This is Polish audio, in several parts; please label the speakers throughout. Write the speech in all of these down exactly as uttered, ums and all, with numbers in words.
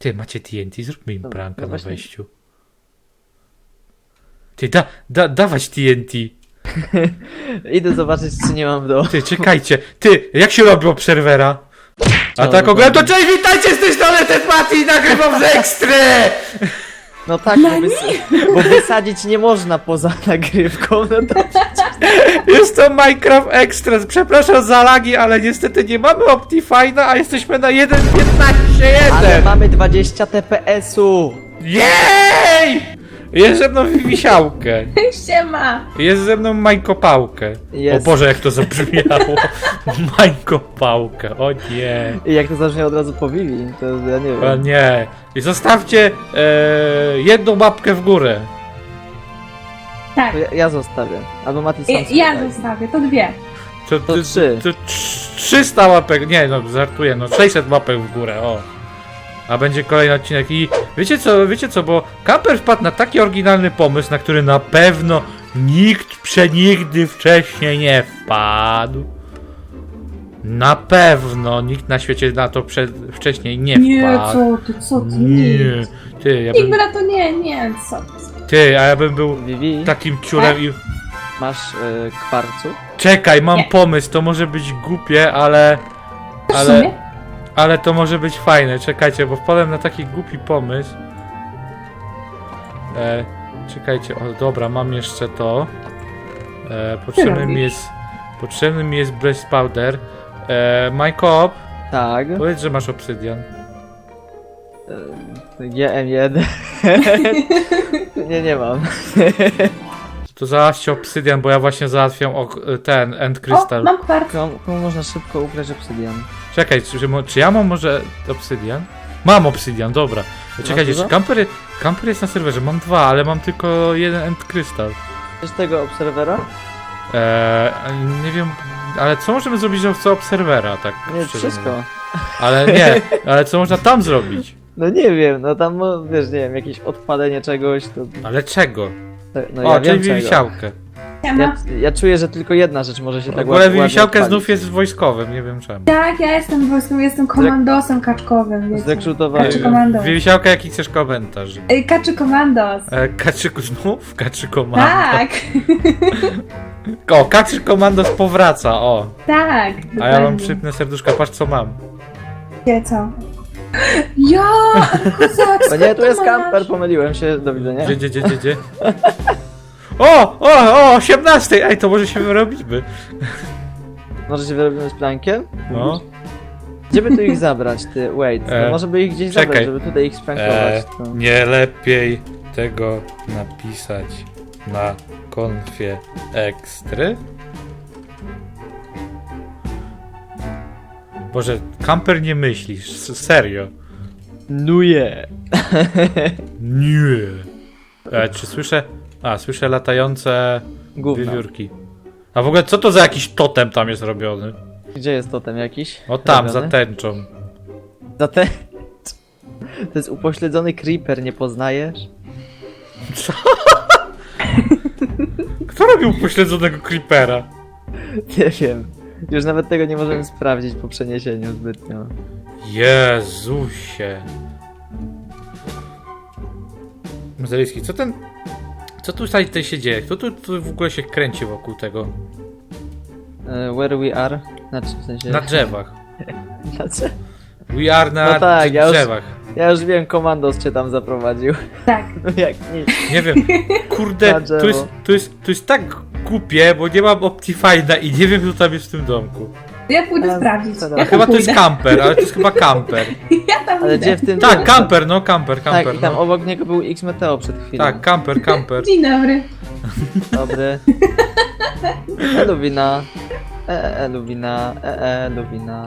Speaker 1: Ty, macie T N T? Zróbmy im
Speaker 2: No,
Speaker 1: pranka
Speaker 2: no
Speaker 1: na
Speaker 2: właśnie.
Speaker 1: wejściu. Ty, da, da, dawać T N T.
Speaker 2: Idę zobaczyć, czy nie mam w domu.
Speaker 1: Ty, czekajcie. Ty, jak się robi obserwera? A
Speaker 2: No,
Speaker 1: tak ogólnie to
Speaker 2: dokładnie.
Speaker 1: cześć, witajcie z tej strony, ten Mati i nagrywam z Ekstry!
Speaker 2: No tak, bo, wys bo wysadzić nie można poza nagrywką, no to...
Speaker 1: Jest to Minecraft Express. Przepraszam za lagi, ale niestety nie mamy Optifine'a, a jesteśmy na jeden piętnaście
Speaker 2: Ale
Speaker 1: jeden.
Speaker 2: mamy dwadzieścia T P S-u!
Speaker 1: Jej! Jest ze mną Wisiałkę.
Speaker 3: Siema!
Speaker 1: Jest ze mną Majkopałkę.
Speaker 2: Jest.
Speaker 1: O Boże, jak to zabrzmiało. Majkopałkę, o nie.
Speaker 2: I jak to zabrzmi od razu po Vivi, to ja nie
Speaker 1: O
Speaker 2: wiem.
Speaker 1: nie. I zostawcie e, jedną łapkę w górę.
Speaker 3: Tak,
Speaker 2: To ja, ja zostawię. Albo Mati sam
Speaker 3: ja,
Speaker 2: sobie
Speaker 3: ja
Speaker 2: daj.
Speaker 3: zostawię, to dwie.
Speaker 1: To,
Speaker 2: To trzy.
Speaker 1: To, trz- trzysta łapek, nie no, żartuję, no sześćset łapek w górę, o. A będzie kolejny odcinek i wiecie co, wiecie co, bo Camper wpadł na taki oryginalny pomysł, na który na pewno nikt przenigdy wcześniej nie wpadł. Na pewno nikt na świecie na to przed, wcześniej nie
Speaker 3: Nie,
Speaker 1: wpadł.
Speaker 3: co ty, co ty,
Speaker 1: Nie,
Speaker 3: nie.
Speaker 1: ty, ja bym,
Speaker 3: Nikt to nie, nie, co ty.
Speaker 1: ty, a ja bym był
Speaker 2: Vivi,
Speaker 1: takim ciurem i...
Speaker 2: masz y, kwarcu?
Speaker 1: Czekaj, mam
Speaker 3: Nie.
Speaker 1: pomysł, to może być głupie, ale...
Speaker 3: W
Speaker 1: Ale...
Speaker 3: sumie?
Speaker 1: Ale to może być fajne, czekajcie, bo wpadłem na taki głupi pomysł. E, czekajcie, o dobra, mam jeszcze to. E, potrzebny mi
Speaker 3: robisz?
Speaker 1: jest... Potrzebny mi jest Blaze Powder. E, Majkop,
Speaker 2: Tak.
Speaker 1: powiedz, że masz obsydian.
Speaker 2: Y, G M jeden. nie, nie mam.
Speaker 1: To załatwcie obsydian, bo ja właśnie załatwiam ok ten End
Speaker 3: O,
Speaker 1: Crystal.
Speaker 3: mam kwarc.
Speaker 2: Komu, komu można szybko ukraść obsydian?
Speaker 1: Czekaj, czy, czy, mo- czy ja mam może obsydian? Mam obsydian, dobra. Czekajcie,
Speaker 2: dużo?
Speaker 1: czy kamper, kamper jest na serwerze? Mam dwa, ale mam tylko jeden End Crystal.
Speaker 2: Wiesz tego obserwera?
Speaker 1: Eee, nie wiem, ale co możemy zrobić z obserwera, tak?
Speaker 2: Nie,
Speaker 1: szczerze
Speaker 2: wszystko.
Speaker 1: mówiąc? Ale nie, ale co można tam zrobić?
Speaker 2: No nie wiem, no tam, no, wiesz, nie wiem, jakieś odpalenie czegoś, to...
Speaker 1: Ale czego?
Speaker 2: No
Speaker 1: o,
Speaker 2: ja
Speaker 1: czyli
Speaker 2: wiem czego.
Speaker 1: wisiałkę.
Speaker 3: Siema.
Speaker 2: Ja, ja czuję, że tylko jedna rzecz może się
Speaker 1: W
Speaker 2: tak
Speaker 1: ogóle
Speaker 2: ładnie
Speaker 1: wisiałkę
Speaker 2: odpalić.
Speaker 1: znów jest wojskowym, nie wiem czemu.
Speaker 3: Tak, ja jestem wojską, jestem komandosem kaczkowym, wiecie.
Speaker 2: Zrekrutowałem.
Speaker 3: Kaczy komandos.
Speaker 1: Wisiałka, jaki chcesz komentarz?
Speaker 3: Ej, Kaczy komandos.
Speaker 1: E, kaczy, znów? Kaczy komando.
Speaker 3: Tak,
Speaker 1: O, kaczy komandos powraca, o.
Speaker 3: tak.
Speaker 1: A ja mam
Speaker 3: dokładnie.
Speaker 1: przypnę serduszka, patrz co mam.
Speaker 3: Wiecie co? Ja, kozacko,
Speaker 2: O nie, tu jest
Speaker 3: masz.
Speaker 2: kamper, pomyliłem się, do widzenia.
Speaker 1: Gdzie, gdzie, gdzie, gdzie, gdzie? O, o, o, osiemnastej, ej, to może się wyrobimy.
Speaker 2: Może się wyrobimy z plankiem?
Speaker 1: No.
Speaker 2: Gdzie by tu ich zabrać, ty? Wait, no
Speaker 1: E,
Speaker 2: może by ich gdzieś
Speaker 1: czekaj.
Speaker 2: zabrać, żeby tutaj ich sprankować.
Speaker 1: E,
Speaker 2: to...
Speaker 1: nie lepiej tego napisać na konfie ekstry? Boże, kamper nie myślisz, s- serio.
Speaker 2: Nuje!
Speaker 1: Nie. E, czy słyszę? A, słyszę latające
Speaker 2: Gówno.
Speaker 1: wiewiórki. A w ogóle co to za jakiś totem tam jest robiony?
Speaker 2: Gdzie jest totem jakiś?
Speaker 1: O tam, za
Speaker 2: Robiony?
Speaker 1: tęczą.
Speaker 2: Za te... To jest upośledzony creeper, nie poznajesz?
Speaker 1: Co? Kto robił upośledzonego creepera?
Speaker 2: Nie wiem. Już nawet tego nie możemy sprawdzić po przeniesieniu zbytnio.
Speaker 1: Jezusie. Mazaliński, co ten... Co tu tutaj, tutaj się dzieje? Kto tu, tu w ogóle się kręci wokół tego?
Speaker 2: E, where we are? Znaczy, w sensie...
Speaker 1: Na drzewach.
Speaker 2: Znaczy...
Speaker 1: We are na
Speaker 2: No tak, ja już-
Speaker 1: drzewach.
Speaker 2: Ja już wiem, komandos cię tam zaprowadził.
Speaker 3: Tak.
Speaker 2: No jak nic.
Speaker 1: Nie wiem, kurde,
Speaker 2: Na drzewo.
Speaker 1: to jest, to, jest, to jest tak głupie, bo nie mam Optifine'a i nie wiem, kto tam jest w tym domku.
Speaker 3: Ja pójdę
Speaker 2: A,
Speaker 3: sprawdzić.
Speaker 2: co
Speaker 3: Ja
Speaker 2: tam?
Speaker 3: tam
Speaker 1: Chyba to jest
Speaker 3: pójdę.
Speaker 1: kamper, ale to jest chyba kamper.
Speaker 3: Ja tam
Speaker 2: Ale
Speaker 3: idę.
Speaker 2: gdzie w tym...
Speaker 1: Tak, kamper, no kamper,
Speaker 2: Tak,
Speaker 1: kamper.
Speaker 2: i tam
Speaker 1: No.
Speaker 2: obok niego był X-Meteo przed chwilą.
Speaker 1: Tak, kamper, kamper.
Speaker 3: Dzień dobry.
Speaker 2: Dobry. E, Luwina. E, e, Luwina. E, e, Luwina.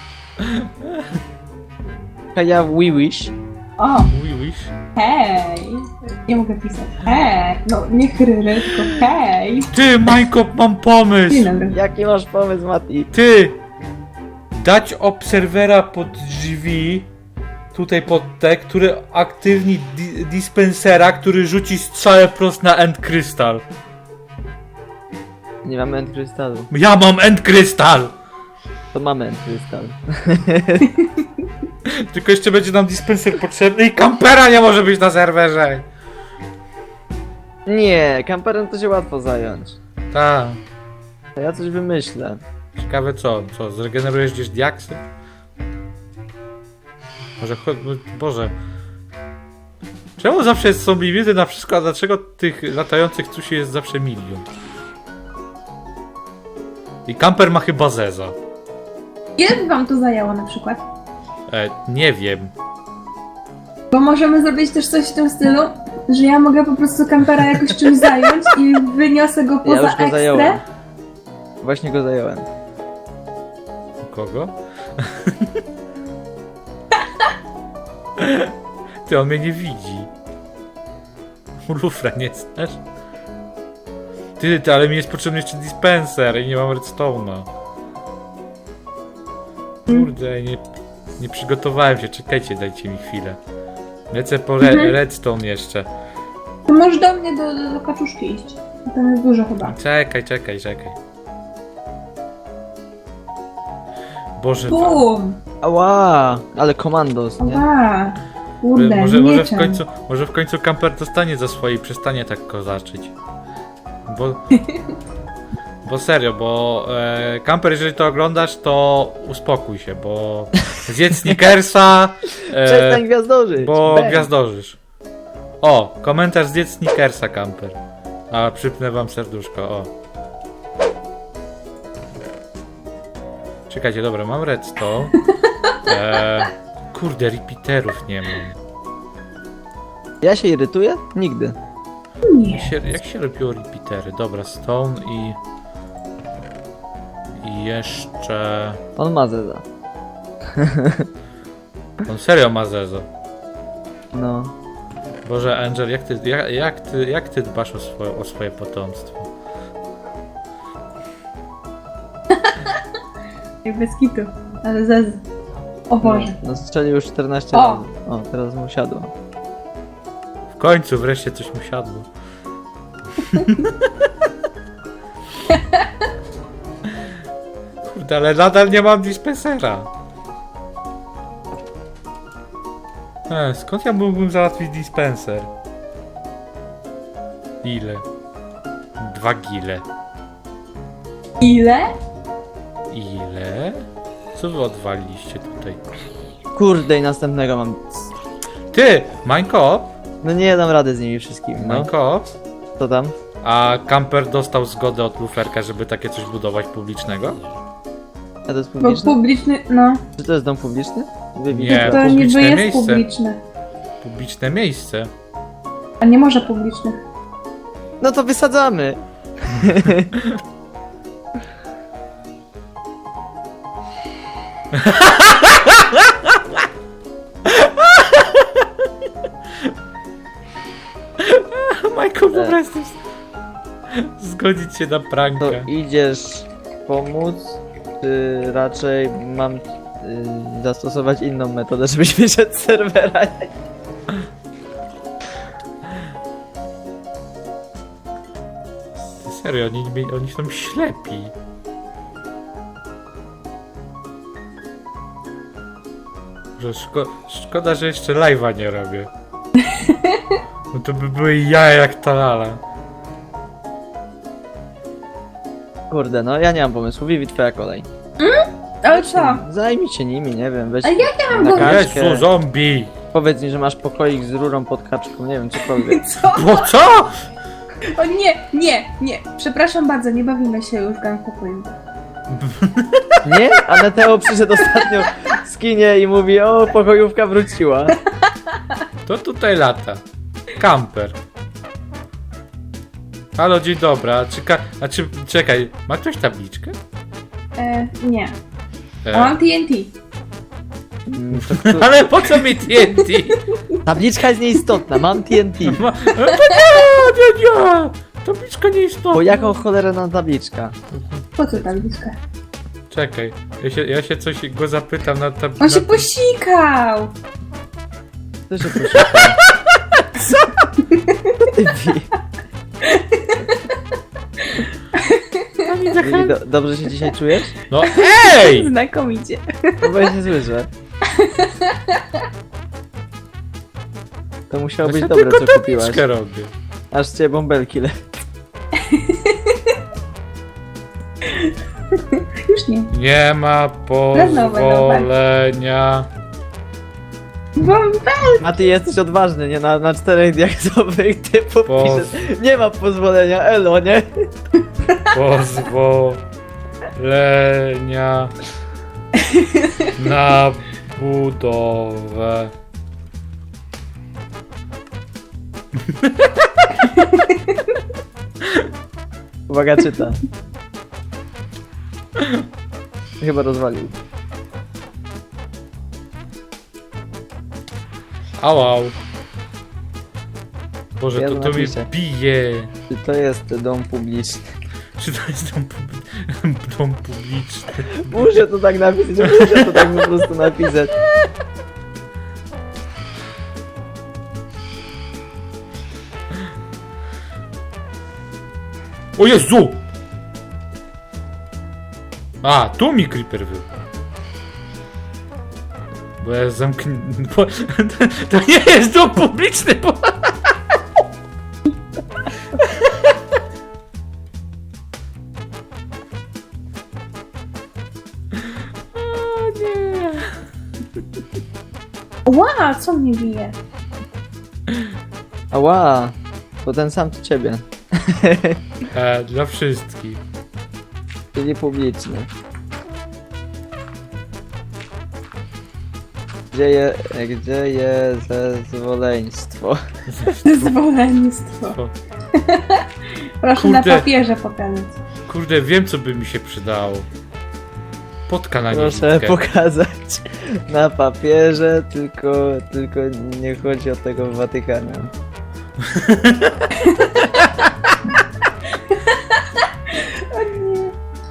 Speaker 2: Ja we wish.
Speaker 3: O,
Speaker 1: We wish.
Speaker 3: hej. Nie mogę pisać. Hej. No, nie chryry, tylko hej.
Speaker 1: Ty, Majko, mam pomysł!
Speaker 3: Dzień dobry.
Speaker 2: Jaki masz pomysł, Mati?
Speaker 1: Ty! Dać obserwera pod drzwi, tutaj pod te, który aktywni di dispensera, który rzuci strzałę prost na End Crystal.
Speaker 2: Nie mamy end krystalu.
Speaker 1: Ja mam End Crystal!
Speaker 2: To mamy end krystal.
Speaker 1: Tylko jeszcze będzie nam dispenser potrzebny i kampera nie może być na serwerze.
Speaker 2: Nie, kamperem to się łatwo zająć.
Speaker 1: Tak.
Speaker 2: To ja coś wymyślę.
Speaker 1: Ciekawe co? Co? Zregenerujesz gdzieś diaksy? Może cho- Boże. Czemu zawsze są limity na wszystko, a dlaczego tych latających cusi jest zawsze milion? I kamper ma chyba zeza.
Speaker 3: Ile by wam to zajęło na przykład?
Speaker 1: E, nie wiem.
Speaker 3: Bo możemy zrobić też coś w tym stylu, że ja mogę po prostu kampera jakoś czymś zająć i wyniosę go
Speaker 2: Ja
Speaker 3: poza
Speaker 2: już go zająłem.
Speaker 3: ekstrę.
Speaker 2: Właśnie go zająłem.
Speaker 1: Kogo? Ty, on mnie nie widzi. Lufra nie znasz? Ty, ty, ale mi jest potrzebny jeszcze dispenser i nie mam redstone'a. Kurde, nie, nie przygotowałem się, czekajcie, dajcie mi chwilę. Lecę po re
Speaker 3: Mhm.
Speaker 1: redstone jeszcze.
Speaker 3: To możesz do mnie do, do, do kaczuszki iść. Tam jest dużo chyba.
Speaker 1: Czekaj, czekaj, czekaj. Boże,
Speaker 3: Bum!
Speaker 2: Ała, ale komandos, nie?
Speaker 3: Oba! Kurde,
Speaker 1: może, może, w
Speaker 3: mieczem.
Speaker 1: końcu, może w końcu kamper dostanie za swoje i przestanie tak kozaczyć. Bo, bo serio, bo e, kamper, jeżeli to oglądasz, to uspokój się, bo zjedz Snickersa,
Speaker 2: Przestań
Speaker 1: e,
Speaker 2: gwiazdożyć!
Speaker 1: bo
Speaker 2: Bang.
Speaker 1: gwiazdorzysz. O, komentarz zjedz Snickersa, kamper. A, przypnę wam serduszko, o. Czekajcie, dobra, mam redstone. E, kurde, repeaterów nie mam.
Speaker 2: Ja się irytuję? Nigdy.
Speaker 1: Jak
Speaker 3: Nie.
Speaker 1: się, jak się robiło repeatery? Dobra, stone i... I jeszcze...
Speaker 2: On ma zeza.
Speaker 1: On serio ma zezo.
Speaker 2: No.
Speaker 1: Boże, Angel, jak ty, jak, jak ty, jak ty dbasz o swoje, o swoje potomstwo?
Speaker 3: Jak bez kitu. Ale zez. O Boże.
Speaker 2: No strzelił już czternaście
Speaker 3: O!
Speaker 2: razy. O, teraz mu siadło.
Speaker 1: W końcu wreszcie coś mu siadło. Kurde, ale nadal nie mam dispensera. E, skąd ja mógłbym załatwić dispenser? Ile? Dwa gile.
Speaker 3: Ile?
Speaker 1: Ile? Co wy odwaliliście tutaj?
Speaker 2: Kurde, i następnego mam.
Speaker 1: Ty! Minecraft?
Speaker 2: No nie dam rady z nimi wszystkimi, no.
Speaker 1: Minecraft?
Speaker 2: Co tam?
Speaker 1: A Camper dostał zgodę od Luferka, żeby takie coś budować publicznego?
Speaker 2: A to jest
Speaker 3: Bo
Speaker 2: publiczny?
Speaker 3: publiczny, no.
Speaker 2: Czy to jest dom publiczny? Wybij
Speaker 1: Nie.
Speaker 3: To niby
Speaker 1: publiczne
Speaker 3: jest
Speaker 1: miejsce.
Speaker 3: publiczne.
Speaker 1: Publiczne miejsce.
Speaker 3: A nie może publicznych.
Speaker 2: No to wysadzamy!
Speaker 1: Michael po prostu zgodzić się na
Speaker 2: To
Speaker 1: pranka.
Speaker 2: idziesz pomóc, czy raczej mam y, zastosować inną metodę, żebyś wyszedł z serwera?
Speaker 1: Ty serio, oni, oni są ślepi. Że szko szkoda, że jeszcze live'a nie robię. No to by były jaja jak talala.
Speaker 2: Kurde, no ja nie mam pomysłu. Vivi, twoja kolej.
Speaker 3: Ale co?
Speaker 2: Zajmij się nimi, nie wiem, weź
Speaker 3: A jak ja mam
Speaker 2: na
Speaker 3: go...
Speaker 2: kaczkę.
Speaker 1: Jezu, zombie!
Speaker 2: Powiedz mi, że masz pokoik z rurą pod kaczką, nie wiem, cokolwiek.
Speaker 3: Co?
Speaker 1: Bo co?
Speaker 3: O nie, nie, nie. Przepraszam bardzo, nie bawimy się już w gang pokoju.
Speaker 2: Nie? A Neteo przyszedł ostatnio z kinie i mówi, o, pokojówka wróciła.
Speaker 1: To tutaj lata. Camper. Halo, dzień dobry. A czy, ka- a czy czekaj, ma ktoś tabliczkę?
Speaker 3: E, nie.
Speaker 1: E,
Speaker 3: A mam T N T.
Speaker 2: Mm, to, to,
Speaker 1: ale po co mi T N T?
Speaker 2: tabliczka jest nieistotna, mam T N T.
Speaker 1: Ma- e, to nie, nie, nie. Tabliczka nie istotna.
Speaker 2: Bo jaką cholerę nam tabliczka?
Speaker 3: Po co tabliczka?
Speaker 1: Czekaj, ja się, ja się coś go zapytam na
Speaker 3: On
Speaker 1: tabliczkę.
Speaker 3: się posikał!
Speaker 2: To się proszę. Co? Vivi, do, dobrze się dzisiaj czujesz?
Speaker 1: No ej!
Speaker 3: Znakomicie.
Speaker 2: No bo ja nie słyszę. To musiało być
Speaker 1: Ja
Speaker 2: dobre,
Speaker 1: tylko
Speaker 2: co kupiłaś.
Speaker 1: tabliczkę robię.
Speaker 2: Aż cię bąbelki le...
Speaker 3: Już nie.
Speaker 1: Nie ma pozwolenia.
Speaker 3: Bombel!
Speaker 2: A ty jesteś odważny, nie? Na, na czterech diaksowych typu
Speaker 1: Po-
Speaker 2: piszesz. Nie ma pozwolenia, elo, nie?
Speaker 1: Pozwolenia na budowę.
Speaker 2: Uwaga, czyta. Chyba rozwalił.
Speaker 1: Au, au. Boże,
Speaker 2: Ja
Speaker 1: to, to mnie
Speaker 2: napiszę.
Speaker 1: bije.
Speaker 2: Czy to jest dom publiczny?
Speaker 1: Czy to jest dom, pub- dom publiczny?
Speaker 2: Muszę to tak napisać, muszę to tak po prostu napisać.
Speaker 1: O Jezu! A, tu mi creeper był. Bo ja zamknę... Bo... To nie jest dom publiczny, bo... O nie.
Speaker 3: Ła, co mnie bije?
Speaker 2: Ała, to ten sam co ciebie.
Speaker 1: E, dla wszystkich.
Speaker 2: Czyli publiczny. Gdzie je, gdzie jest zezwoleństwo?
Speaker 3: Zwolennictwo.
Speaker 1: O,
Speaker 3: Proszę na
Speaker 1: Kurde.
Speaker 3: papierze pokazać.
Speaker 1: kurde, wiem co by mi się przydało. Potka na
Speaker 2: Proszę
Speaker 1: niewidkę.
Speaker 2: pokazać na papierze, tylko, tylko nie chodzi o tego w Watykanie.
Speaker 3: O nie.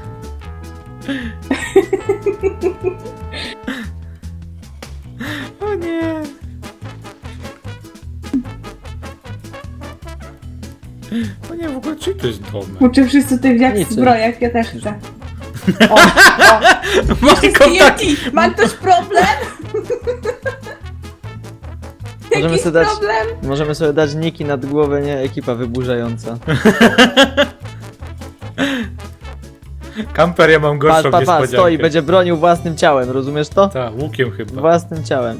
Speaker 1: O nie. O nie, w ogóle czy to jest domek?
Speaker 3: Uczy wszyscy tych jak w
Speaker 2: Niczym.
Speaker 3: zbrojach, ja też chcę. O, o.
Speaker 1: Majko, tak,
Speaker 3: T N T! Ma ktoś problem?
Speaker 2: Możemy
Speaker 3: Jakiś
Speaker 2: sobie dać-
Speaker 3: problem?
Speaker 2: Możemy sobie dać niki nad głowę, nie? Ekipa wyburzająca.
Speaker 1: Kamper, ja mam
Speaker 2: Patrz,
Speaker 1: gorszą
Speaker 2: patrz, patrz,
Speaker 1: niespodziankę.
Speaker 2: stoi, będzie bronił własnym ciałem, rozumiesz to?
Speaker 1: Tak, łukiem chyba.
Speaker 2: Własnym ciałem.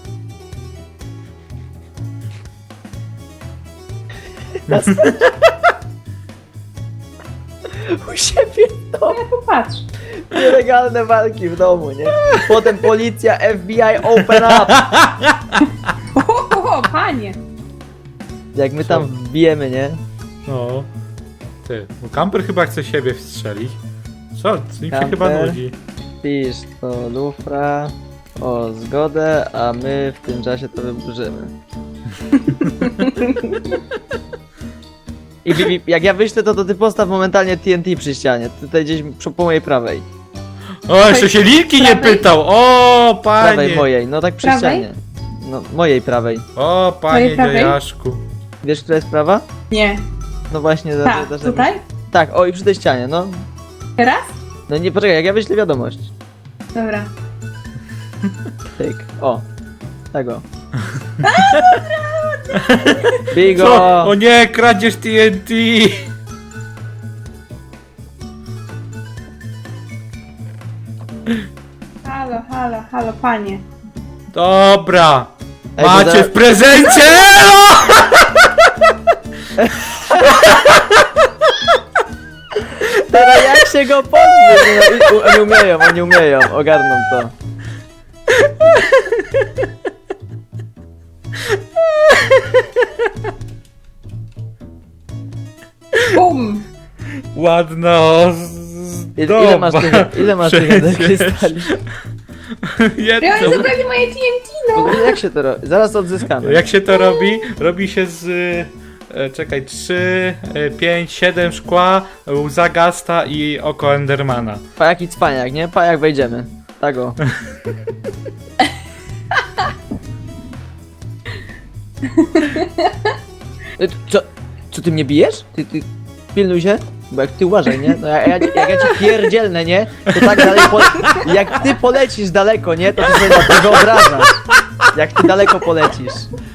Speaker 2: U siebie w domu.
Speaker 3: Ja popatrz.
Speaker 2: Nielegalne walki w domu, nie? Potem policja, F B I, open up!
Speaker 3: O, o, o, panie.
Speaker 2: Jak my tam wbijemy, nie?
Speaker 1: No. Ty, bo kamper chyba chce siebie wstrzelić. Co? Mi się
Speaker 2: Kamper.
Speaker 1: chyba nudzi.
Speaker 2: Pisz to lufra o zgodę, a my w tym czasie to wyburzymy. I Bibi, jak ja wyślę to, to ty postaw momentalnie T N T przy ścianie. Tutaj gdzieś przy- po mojej prawej.
Speaker 1: O, jeszcze się Linki nie
Speaker 3: Prawej?
Speaker 1: pytał! O, panie!
Speaker 2: Prawej mojej, no tak przy
Speaker 3: Prawej?
Speaker 2: ścianie. No, mojej prawej.
Speaker 1: O, panie
Speaker 3: Twojej prawej?
Speaker 1: dziajaszku.
Speaker 2: Wiesz, która jest prawa?
Speaker 3: Nie.
Speaker 2: No właśnie, za-
Speaker 3: Tak,
Speaker 2: za- za-
Speaker 3: tutaj?
Speaker 2: Tak, o i przy tej ścianie, no.
Speaker 3: Teraz?
Speaker 2: No nie, poczekaj, jak ja wyślę wiadomość.
Speaker 3: Dobra.
Speaker 2: Tyk, o. Tego. Bigo!
Speaker 1: Co? O nie, kradzież T N T!
Speaker 3: Halo, halo, halo, panie.
Speaker 1: Dobra!
Speaker 2: Ej, bo
Speaker 1: Macie
Speaker 2: za-
Speaker 1: w prezencie! Elo!
Speaker 2: Teraz jak się go pozbyć? No, i- u- oni umieją, oni umieją, ogarną to.
Speaker 3: Bum!
Speaker 1: Ładna
Speaker 2: Ile, ile masz tych, ile masz tych
Speaker 1: Przecież.
Speaker 2: krystali?
Speaker 3: Ja
Speaker 1: Jedno.
Speaker 3: oni zabrali moje T N T,
Speaker 2: W
Speaker 3: no!
Speaker 2: ogóle jak się to robi? Zaraz odzyskamy.
Speaker 1: Jak się to robi? Robi się z... e, Czekaj, trzy, pięć, siedem szkła, łza Gasta i oko Endermana.
Speaker 2: Pajak i cwaniak, nie? Pajak wejdziemy. Tak o. E, Co? Co ty mnie bijesz? Ty, ty... Pilnuj się. Bo jak ty uważaj, nie? No jak, jak, jak ja ci pierdzielnę, nie? To tak dalej po... Jak ty polecisz daleko, nie? To ty sobie na to wyobrażasz. Jak ty daleko polecisz.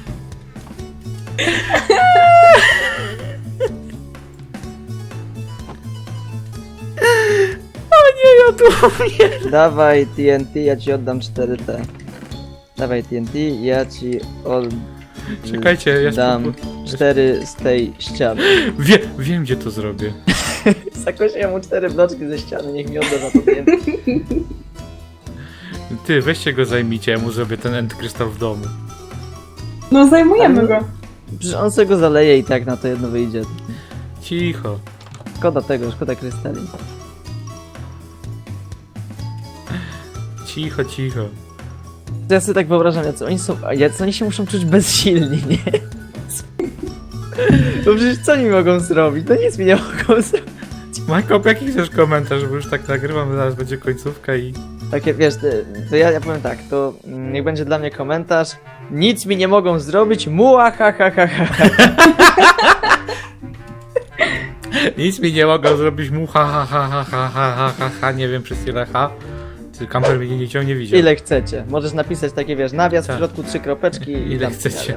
Speaker 1: Nie, ja tu umiem.
Speaker 2: Dawaj T N T, ja ci oddam cztery T. Dawaj T N T, ja ci oddam
Speaker 1: Czekajcie, ja spróbuję.
Speaker 2: cztery z tej ściany.
Speaker 1: Wie, wiem gdzie to zrobię.
Speaker 2: Zakosiłem mu cztery bloczki ze ściany, niech mi odda za to T N T.
Speaker 1: Ty, weźcie go zajmijcie, ja mu zrobię ten end krystal w domu.
Speaker 3: No zajmujemy go.
Speaker 2: Przecież on sobie go zaleje i tak na to jedno wyjdzie.
Speaker 1: Cicho.
Speaker 2: Szkoda tego, szkoda krystali.
Speaker 1: Cicho, cicho.
Speaker 2: To ja sobie tak wyobrażam, jacy oni są, a jacy oni się muszą czuć bezsilni, nie? Bo przecież co oni mogą zrobić? No nic mi nie mogą zrobić.
Speaker 1: Majkop, jaki chcesz komentarz, bo już tak nagrywam, zaraz będzie końcówka i...
Speaker 2: Takie, wiesz, to ja, ja powiem tak, to mm, niech będzie dla mnie komentarz. Nic mi nie mogą zrobić, muła ha ha ha ha.
Speaker 1: Nic mi nie mogą zrobić mu ha ha ha ha ha ha ha ha ha, nie wiem przez ile ha. Czy kamper mnie nicią nie widział.
Speaker 2: Ile chcecie. Możesz napisać takie, wiesz, nawias,
Speaker 1: Tak.
Speaker 2: w środku trzy kropeczki i
Speaker 1: Ile
Speaker 2: tam
Speaker 1: chcecie.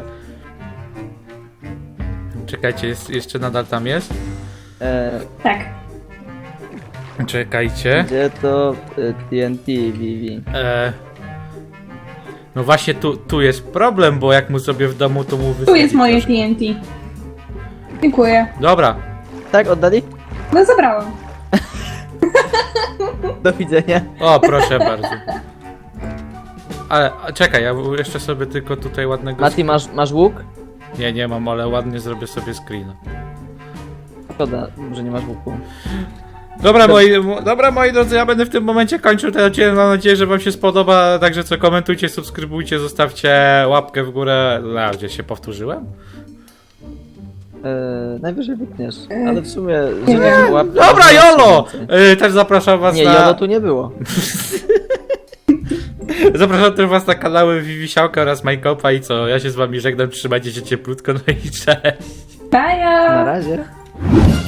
Speaker 1: Czekajcie, jest, jeszcze nadal tam jest?
Speaker 2: E,
Speaker 3: Tak.
Speaker 1: Czekajcie.
Speaker 2: gdzie to e, T N T, Vivi?
Speaker 1: E... No właśnie tu, tu jest problem, bo jak mu sobie w domu, to mu
Speaker 3: Tu
Speaker 1: wysadzi
Speaker 3: jest moje
Speaker 1: troszkę.
Speaker 3: T N T. Dziękuję.
Speaker 1: Dobra.
Speaker 2: Tak, oddali?
Speaker 3: No zabrałam.
Speaker 2: Do widzenia.
Speaker 1: O, proszę bardzo. Ale a, czekaj, ja jeszcze sobie tylko tutaj ładnego...
Speaker 2: Mati, masz, masz łuk?
Speaker 1: Nie, nie mam, ale ładnie zrobię sobie screena.
Speaker 2: Szkoda, że nie masz łuku.
Speaker 1: Dobra moi, dobra moi drodzy, ja będę w tym momencie kończył ten odcinek, mam nadzieję, że wam się spodoba, także co, komentujcie, subskrybujcie, zostawcie łapkę w górę, a gdzie się powtórzyłem?
Speaker 2: E, najwyżej wytniesz, ale w sumie, że
Speaker 3: Nie.
Speaker 2: nie łap...
Speaker 1: Dobra, Jolo! Yy, też zapraszam was
Speaker 2: Nie,
Speaker 1: na...
Speaker 2: Jolo tu nie było.
Speaker 1: Zapraszam też was na kanały Vivisiałka oraz Majkopa i co, ja się z wami żegnam, trzymajcie się cieplutko, no i cześć!
Speaker 2: Na
Speaker 3: Baja!
Speaker 2: razie.